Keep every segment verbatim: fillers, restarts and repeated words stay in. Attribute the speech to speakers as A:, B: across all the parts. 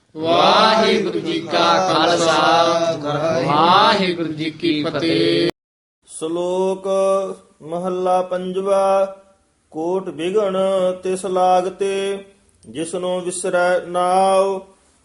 A: ਵਾਹਿਗੁਰੂ ਜੀ ਕਾ ਖਾਲਸਾ ਵਾਹਿਗੁਰੂ ਜੀ ਕੀ ਫਤਿਹ।
B: ਸ਼ਲੋਕ ਮਹੱਲਾ ਪੰਜਵਾ। ਕੋਟ ਬਿਗਣ ਤਿਸ ਲਾਗਤੇ ਜਿਸਨੂੰ ਵਿਸਰੈ ਨਾਉ।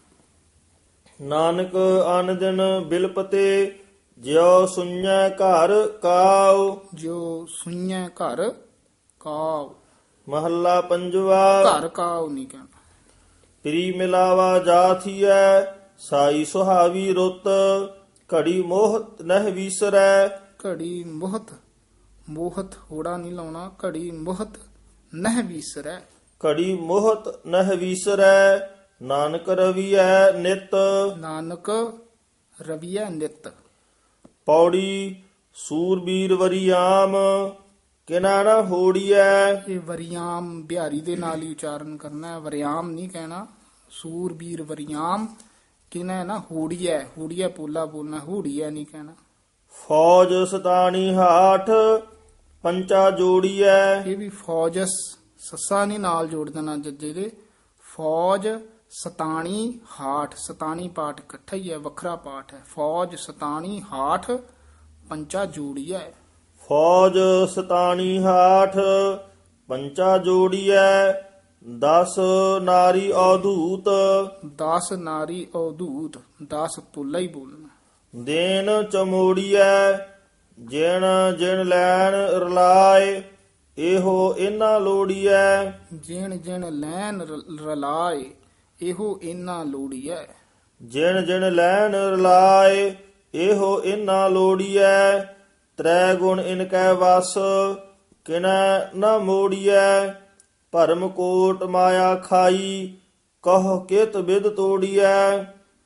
B: ਨਾਨਕ ਅਨ ਦਿਨ ਬਿਲਪਤੇ ਜਿਉ ਸੁਣੈ ਘਰ ਕਾਉ।
A: ਜੋ ਸੁਣੈ ਘਰ ਕਾਉ,
B: ਮਹੱਲਾ ਪੰਜਵਾ।
A: ਘਰ ਕਾਉ ਨਹੀਂ ਕਹਿਣਾ।
B: ਪ੍ਰੀ ਮਿਲਾਵਾ ਜਾਥੀਐ ਸਾਈ ਸੁਹਾਵੀ ਰੁੱਤ। ਘੜੀ ਮੋਹ ਨਹਿ ਵੀਸਰੈ।
A: ਘੜੀ ਮੋਹਤ, ਮੋਹਤ ਹੋੜਾ ਨਹੀਂ ਲਾਉਣਾ। ਘੜੀ ਮੋਹਤ ਨਹਿ ਵੀਸਰੈ।
B: ਘੜੀ ਮੋਹਤ ਨਹਿ ਵੀਸਰੈ। ਨਾਨਕ ਰਵੀਐ ਨਿਤ।
A: ਨਾਨਕ ਰਵੀਐ ਨਿਤ।
B: ਪੌੜੀ ਸੂਰਬੀਰ ਵਰਿਆਮ ਕਿਨਾ ਨਾ ਹੋੜੀਐ।
A: ਇਹ ਵਰਿਆਮ ਬਿਹਾਰੀ ਦੇ ਨਾਲ ਹੀ ਉਚਾਰਨ ਕਰਨਾ ਹੈ, ਵਰਿਆਮ ਨਹੀਂ ਕਹਿਣਾ। ਸੂਰਬੀਰ ਵਰਿਆਮ ਕਿਨਾ ਨਾ ਹੋੜੀਐ। ਹੋੜੀਐ ਪੋਲਾ ਬੋਲਣਾ, ਹੋੜੀਐ ਨਹੀਂ ਕਹਿਣਾ।
B: ਫੌਜ ਸਤਾਣੀ ਹਾਠ ਪੰਚਾ ਜੋੜੀਐ।
A: ਇਹ ਵੀ ਫੌਜਸ ਸੱਸਾ ਨਹੀਂ ਨਾਲ ਜੋੜ ਦੇਣਾ ਜੱਜੇ ਦੇ। ਫੌਜ ਸਤਾਣੀ ਹਾਠ, ਸਤਾਣੀ ਪਾਠ ਇਕੱਠਾ ਹੀ ਹੈ, ਵੱਖਰਾ ਪਾਠ ਹੈ। ਫੌਜ ਸਤਾਣੀ ਹਾਠ ਪੰਚਾ ਜੋੜੀਐ।
B: ਫੌਜ ਸਤਾਣੀ ਹਾਠ ਪੰਚਾ ਜੋੜੀਐ। ਦਸ ਨਾਰੀ ਅਵਧੂਤ।
A: ਦਸ ਨਾਰੀ ਅਵਧੂਤ, ਦਸ ਪੁੱਲਾ ਹੀ ਬੋਲਣਾ।
B: ਦੇਨ ਚਮੋੜੀਐ ਜਿਣ ਜਿਣ ਲੈਣ ਰਲਾਏ। ਇਹੋ ਇਨਾ ਲੋੜੀਐ।
A: ਜਿਣ ਜਿਣ ਲੈਨ ਰ- ਰਲਾਏ ਇਹੋ ਇਨਾ ਲੋੜੀਐ।
B: ਜਿਣ ਜਿਣ ਲੈਣ ਰਲਾਏ ਇਹੋ ਇਨਾ ਲੋੜੀਐ। ਤ੍ਰੈ ਗੁਣ ਇਨ ਕੈ ਵਸ ਕਿਨੈ ਨ ਮੋੜੀਐ। ਭਰਮ ਕੋਟ ਮਾਇਆ ਖਾਈ ਕਹ ਕਿਤ ਬਿਦ ਤੋੜੀਐ।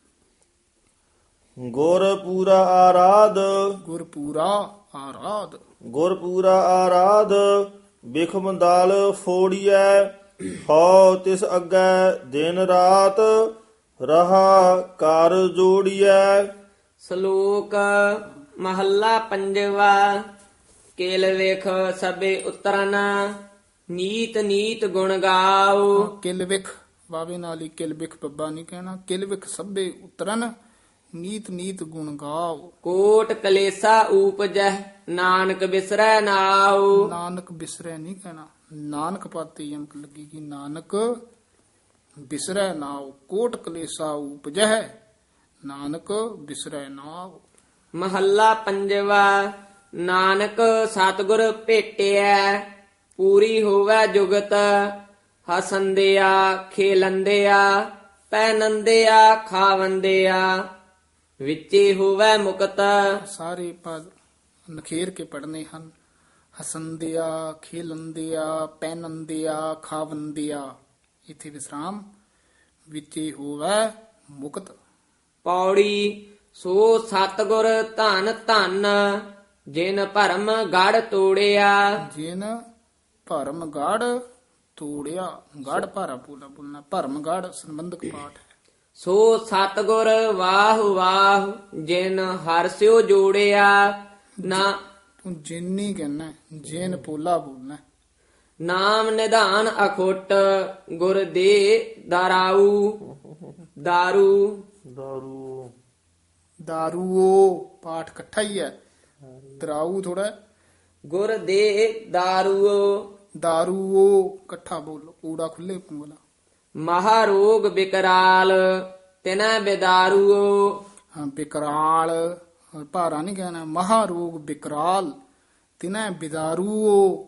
B: ਗੁਰ ਪੂਰਾ ਆਰਾਧ
A: ਗੁਰ ਪੂਰਾ ਆਰਾਧ।
B: ਗੁਰ ਪੂਰਾ ਆਰਾਧ ਬਿਖਮ ਦਾਲ ਫੋੜੀਐ। ਹਉ ਤਿਸ ਅੱਗੇ ਦਿਨ ਰਾਤ ਰਹਾ ਕਰ ਜੋੜੀਐ।
C: ਸ਼ਲੋਕ ਮਹੱਲਾ ਪੰਜਵਾ। ਕੇਲ ਵੇਖ ਸਭੇ ਉਤਰਨ ਨੀਤ ਨੀਤ ਗੁਣ ਗਾਓ।
A: ਕਿਲ ਵਿਖ ਵਾਵੇ ਨਾਲ ਹੀ ਕਿਲ ਵਿਖ ਬੱਬਾ ਨਹੀਂ ਕਹਿਣਾ। ਕਿਲ ਵਿਖ ਸਭੇ ਉਤਰਨ ਨੀਤ ਨੀਤ ਗੁਣ ਗਾਓ।
C: ਕੋਟ ਕਲੇਸਾ ਊਪਜੈ ਨਾਨਕ ਬਿਸਰੈ ਨਾਉ।
A: ਨਾਨਕ ਬਿਸਰੈ ਨਹੀਂ ਕਹਿਣਾ। ਨਾਨਕ ਪਾਤੇ ਯਮਕ ਲੱਗੇਗੀ। ਨਾਨਕ ਬਿਸਰੈ ਨਾਉ। ਕੋਟ ਕਲੇਸਾ ਉਪਜਹਿ ਨਾਨਕ ਬਿਸਰੈ ਨਾਉ।
C: ਮਹੱਲਾ ਪੰਜਵਾ। ਨਾਨਕ ਸਤਿਗੁਰ ਭੇਟਿਐ ਪੂਰੀ ਹੋਵੈ ਜੁਗਤ। ਹਸੰਦਿਆ ਖੇਲੰਦਿਆ ਪੈਨੰਦਿਆ ਖਾਵੰਦਿਆ ਵਿੱਚੇ ਹੋਵੈ ਮੁਕਤ।
A: ਸਾਰੇ ਪਦ ਨਖੇਰ ਕੇ ਪੜਨੇ ਹਨ। ਹਸੰਦਿਆ ਖੇਲੰਦਿਆ ਪੈਨੰਦਿਆ ਖਾਵੰਦਿਆ। ਇਥੇ ਵਿਸਰਾਮ। ਵਿੱਚੇ ਹੋਵੈ ਮੁਕਤ।
C: ਪੌੜੀ ਸੋ ਸਤਿਗੁਰ ਧਨ ਧਨ ਜਿਨ ਭਰਮ ਗੜ ਤੋੜਿਆ।
A: ਜਿਨ ਭਰਮ ਗੜ ਤੋੜਿਆ। ਗੜ ਭਾਰਾ ਪੂਲਾ ਬੋਲਣਾ। ਭਰਮ ਗੜ ਸੰਬੰਧਕ ਪਾਠ ਹੈ।
C: ਸੋ ਸਤਿਗੁਰ ਵਾਹ ਵਾਹ ਜਿਨ ਹਰਸਿਓ ਜੋੜਿਆ। ਨਾ
A: ਤੂੰ ਜਿਨ ਨਹੀਂ ਕਹਿਣਾ, ਜਿਨ ਪੋਲਾ ਬੋਲਣਾ।
C: ਨਾਮ ਨਿਧਾਨ ਅਖੁੱਟ ਗੁਰ ਦੇ ਦਾਰਾਊ। ਦਾਰੂ
B: ਦਾਰੂ
A: ਦਾਰੂਓ ਪਾਠ ਇਕੱਠਾ ਹੀ ਹੈ। ਦਰਾਊ ਥੋੜਾ।
C: ਗੁਰ ਦੇ ਦਾਰੂਓ।
A: ਦਾਰੂਓ ਇਕੱਠਾ ਬੋਲੋ। ਊੜਾ ਖੁੱਲੇ ਬੋਲਾ।
C: ਮਹਾ ਰੋਗ ਬਿਕਰਾਲ ਤਿਨੈ ਬਿਦਾਰੂਓ।
A: ਹਾਂ ਬਿਕਰਾਲ ਭਾਰਾ ਨਹੀਂ ਕਹਿਣਾ। ਮਹਾ ਰੋਗ ਬਿਕਰਾਲ ਤਿਨੈ ਬਿਦਾਰੂਓ।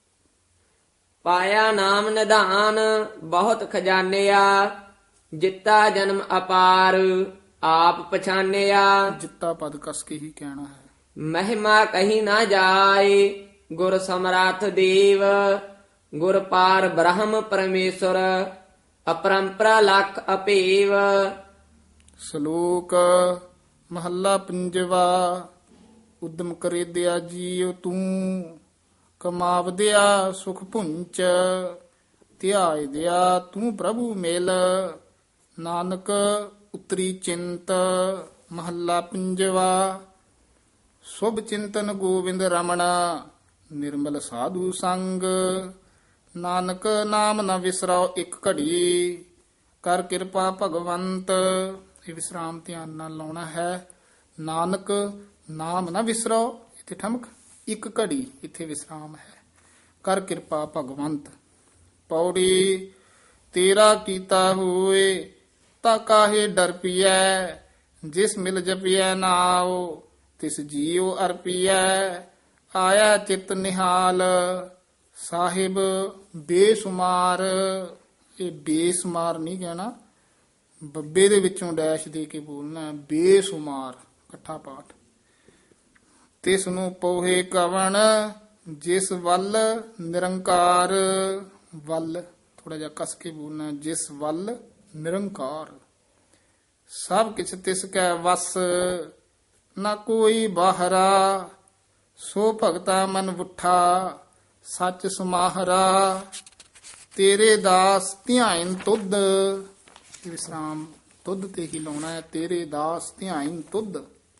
C: ਪਾਇਆ ਨਾਮ ਨਿਧਾਨ ਬਹੁਤ ਖਜ਼ਾਨਿਆ। ਜਿੱਤਾ ਜਨਮ ਅਪਾਰ ਆਪ ਪਛਾਨਿਆ।
A: ਜਿੱਤਾ ਪਦ ਕਸ ਕੇ ਹੀ ਕਹਿਣਾ ਹੈ।
C: ਮਹਿਮਾ ਕਹੀ ਨਾ ਜਾਏ ਗੁਰ ਸਮਰਾਥ ਦੇਵ। ਗੁਰ ਪਾਰ ਬ੍ਰਹਮ ਪਰਮੇਸ਼ਰ ਅਪਰੰਪਰਾ ਲਖ ਅਪੇਵ।
A: ਸ਼ਲੋਕ ਮਹੱਲਾ ਪੰਜਵਾ। ਉਦਮ ਕਰੇ ਦਿਆ ਜੀਉ ਤੂੰ ਕਮਾਵਦਿਆ ਸੁਖ ਪੁੰਚ। ਧਿਆਇ ਦਿਆ ਤੂੰ ਪ੍ਰਭੂ ਮਿਲ ਨਾਨਕ ਉਤਰੀ ਚਿੰਤ। ਮਹੱਲਾ ਪੰਜਵਾ। ਸੁਭ ਚਿੰਤਨ ਗੋਵਿੰਦ ਰਮਣ ਨਿਰਮਲ ਸਾਧੂ ਸੰਗ। ਨਾਨਕ ਨਾਮ ਨ ਵਿਸਰਾਓ ਇੱਕ ਘੜੀ ਕਰ ਕਿਰਪਾ ਭਗਵੰਤ। ਇਹ ਵਿਸਰਾਮ ਧਿਆਨ ਨਾਲ ਲਾਉਣਾ ਹੈ। ਨਾਨਕ ਨਾਮ ਨਾ ਵਿਸਰੋ, ਇੱਥੇ ਠਮਕ, ਇੱਕ ਘੜੀ ਇੱਥੇ ਵਿਸਰਾਮ ਹੈ। ਕਰ ਕਿਰਪਾ ਭਗਵੰਤ। ਪੌੜੀ ਤੇਰਾ ਕੀਤਾ ਹੋਏ ਤਾ ਕਾਹੇ ਡਰ ਪੀਐ, ਜਿਸ ਮਿਲ ਜਪੀਐ ਨਾਉ ਤਿਸ ਜੀਉ ਅਰਪੀਐ। ਆਇਆ ਚਿਤ ਨਿਹਾਲ ਸਾਹਿਬ ਬੇਸੁਮਾਰ, ਇਹ ਬੇਸੁਮਾਰ ਨਹੀਂ ਕਹਿਣਾ, ਬੱਬੇ ਦੇ ਵਿੱਚੋਂ ਡੈਸ਼ ਦੇ ਕੇ ਬੋਲਣਾ, ਬੇਸੁਮਾਰ ਇਕੱਠਾ ਪਾਠ। ਤਿਸ ਨੂੰ ਪੋਹੇ ਕਵਣ ਜਿਸ ਵੱਲ ਨਿਰੰਕਾਰ, ਵੱਲ ਥੋੜਾ ਜਿਹਾ ਕਸ ਕੇ ਬੋਲਣਾ, ਜਿਸ ਵੱਲ ਨਿਰੰਕਾਰ। ਸਭ ਕਿਛ ਤਿਸ ਕੈ ਵਸ ਨਾ ਕੋਈ ਬਾਹਰਾ, ਸੋ ਭਗਤਾ ਮਨ ਵੁੱਠਾ ਸੱਚ ਸਮਾਹਰਾ। ਤੇਰੇ ਦਾਸ ਧਿਆਇਨ ਤੁਧ, ਵਿਸਰਾਮ ਤੁਧ ਤੇ ਹੀ ਲਾਉਣਾ ਹੈ। ਤੇਰੇ ਦਾਸ ਧਿਆਇਨ ਤੁਧ।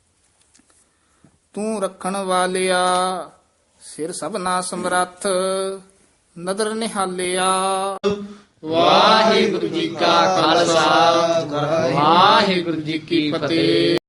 A: ਤੂੰ ਰੱਖਣ ਵਾਲਿਆ ਸਿਰ ਸਭਨਾ ਸਮਰੱਥ, ਨਦਰ ਨਿਹਾਲਿਆ।
C: ਵਾਹਿਗੁਰੂ ਜੀ ਕਾ ਖਾਲਸਾ ਵਾਹਿਗੁਰੂ ਜੀ ਕੀ ਫਤਿਹ।